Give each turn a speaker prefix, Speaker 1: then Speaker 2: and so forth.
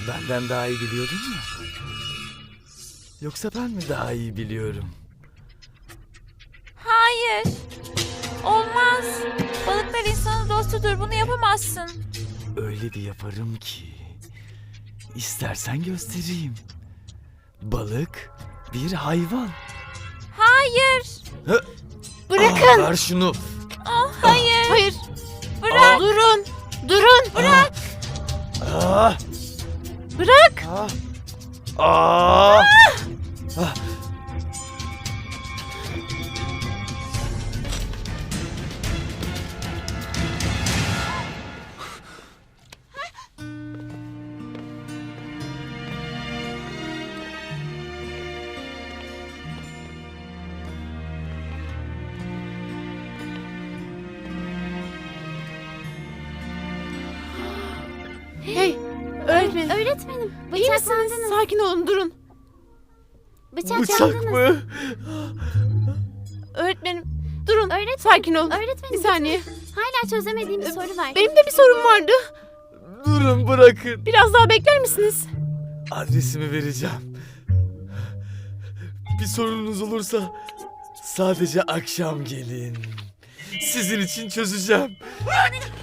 Speaker 1: Benden daha iyi biliyordun mu? Yoksa ben mi daha iyi biliyorum?
Speaker 2: Hayır. Olmaz. Balıklar insanın dostudur. Bunu yapamazsın.
Speaker 1: Öyle bir yaparım ki. İstersen göstereyim. Balık bir hayvan.
Speaker 2: Hayır.
Speaker 3: Bırakın.
Speaker 1: Ver şunu.
Speaker 2: Hayır.
Speaker 3: Hayır.
Speaker 2: Bırak.
Speaker 3: Durun. Durun.
Speaker 2: Bırak.
Speaker 1: Ah,
Speaker 3: Bırak.
Speaker 1: ah, ah. Ah.
Speaker 3: Hey. Öğretmenim.
Speaker 4: Öğretmenim,
Speaker 3: İyi misiniz?
Speaker 4: bıçaklandınız.
Speaker 3: Sakin olun, durun.
Speaker 1: Bıçak
Speaker 4: Bıçaklandınız.
Speaker 1: mı?
Speaker 3: Öğretmenim, durun.
Speaker 4: Öğretmenim,
Speaker 3: Sakin olun.
Speaker 4: öğretmenim,
Speaker 3: Bir saniye.
Speaker 4: Hala çözemediğim bir soru var.
Speaker 3: Benim de bir sorum vardı.
Speaker 1: Durun, bırakın.
Speaker 3: Biraz daha bekler misiniz?
Speaker 1: Adresimi vereceğim. Bir sorunuz olursa sadece akşam gelin. Sizin için çözeceğim.